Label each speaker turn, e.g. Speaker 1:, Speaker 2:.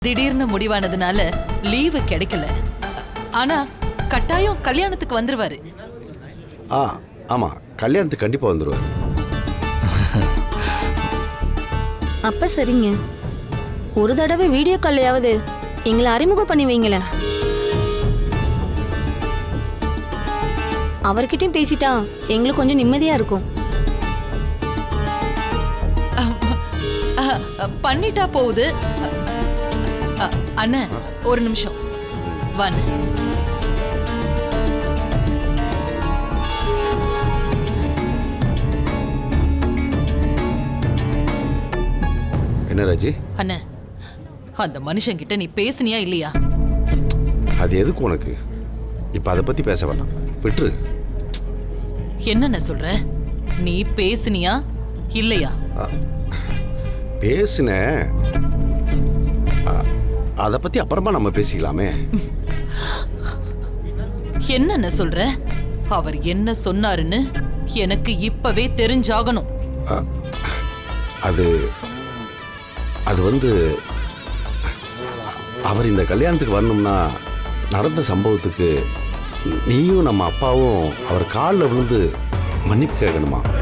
Speaker 1: திடீர்னு முடிவானதுனால லீவு கிடைக்கல. ஆனா கட்டாயம் கல்யாணத்துக்கு வந்துருவாரு.
Speaker 2: ஆமா, கல்யாணத்துக்கு கண்டிப்பா வந்துருவாரு.
Speaker 3: அப்ப சரிங்க, ஒரு தடவை வீடியோ கால்லையாவது எங்களை அறிமுகம் பண்ணி வைங்களேன். அவர்கிட்டயும் பேசிட்டா எங்களுக்கு கொஞ்சம் நிம்மதியா இருக்கும்.
Speaker 1: பண்ணிட்டா போகுது. அண்ணன் ஒரு நிமிஷம் வான்னு.
Speaker 2: என்ன ராஜி?
Speaker 1: அண்ணன், அந்த மனுஷன் கிட்ட நீ பேசுனியா இல்லையா?
Speaker 2: அது எதுக்கு உனக்கு? இப்ப அதை பத்தி பேச வேண்டாம், விட்டுரு.
Speaker 1: என்னென்ன சொல்ற? நீ பேசுனியா இல்லையா?
Speaker 2: பேசுன, அதை பத்தி அப்புறமா நம்ம பேசிக்கலாமே.
Speaker 1: என்னென்ன சொல்ற? அவர் என்ன சொன்னாருன்னு எனக்கு இப்பவே தெரிஞ்சாகணும்.
Speaker 2: அது அது வந்து அவர் இந்த கல்யாணத்துக்கு வரணும்னா நடந்த சம்பவத்துக்கு நீயும் நம்ம அப்பாவும் அவர் காலில் விழுந்து மன்னிப்பு கேட்கணுமா?